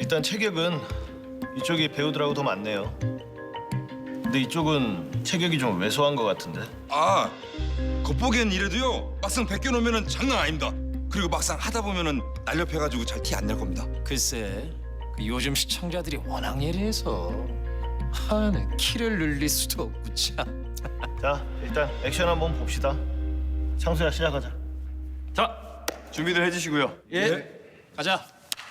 일단 체격은 이쪽이 배우들하고 더 많네요. 근데 이쪽은 체격이 좀 왜소한 것 같은데. 아, 겉보기엔 이래도요. 막상 벗겨놓으면은 장난 아닙니다. 그리고 막상 하다 보면은 날렵해가지고 잘 티 안 낼 겁니다. 글쎄, 그 요즘 시청자들이 워낙 예리해서 하는 키를 늘릴 수도 없고 참. 자, 일단 액션 한번 봅시다. 창수야, 시작하자. 자, 준비들 해주시고요. 예. 가자.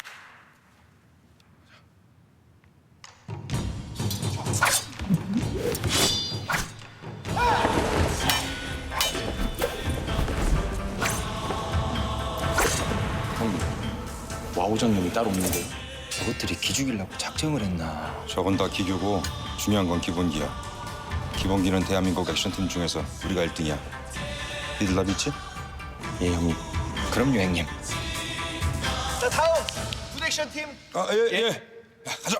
형님, 와우장님이 따로 없는데 저것들이 기죽이려고 작정을 했나? 저건 다 기교고 중요한 건 기본기야. 기본기는 대한민국 액션팀 중에서 우리가 1등이야. 니들 나 믿지? 예, 형님. 그럼요, 형님. 자, 다음 굿액션 팀. 아, 예. 야, 가자.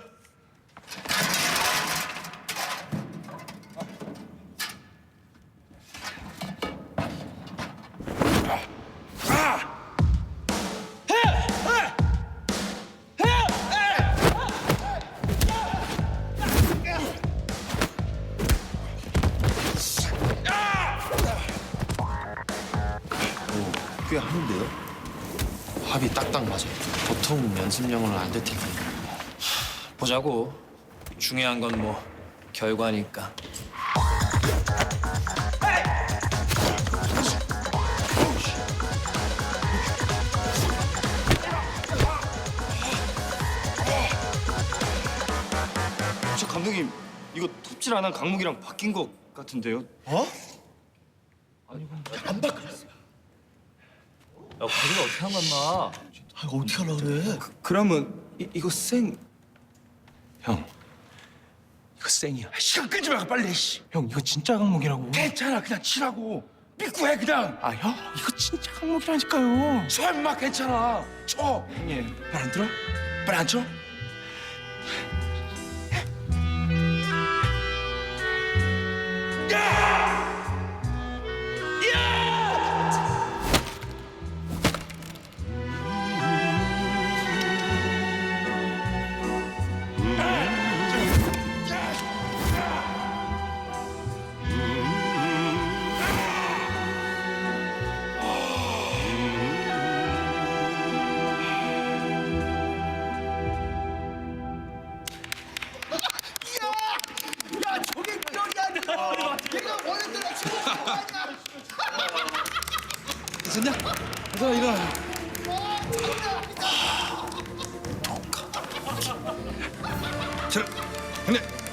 꽤 하는데요? 합이 딱딱 맞아요. 보통 연습량으로는 안 될 텐데. 보자고. 중요한 건 뭐 결과니까. 저 감독님, 이거 톱질 안 한 강목이랑 바뀐 것 같은데요? 어? 야, 거기가 어떻게 한 건나? 아, 이거 어떻게 하려고 그래? 그러면 이거 생... 형, 이거 생이야. 시간 끄지 말고 빨리. 씨. 형, 이거 진짜 강목이라고. 괜찮아, 그냥 치라고. 믿고 해 그냥. 아, 형, 이거 진짜 강목이라니까요. 설마 괜찮아. 쳐. 형님, 말 안 들어? 빨리 안 쳐? 야, 저게 그러냐? 내가 원했던 액션 자, 형님.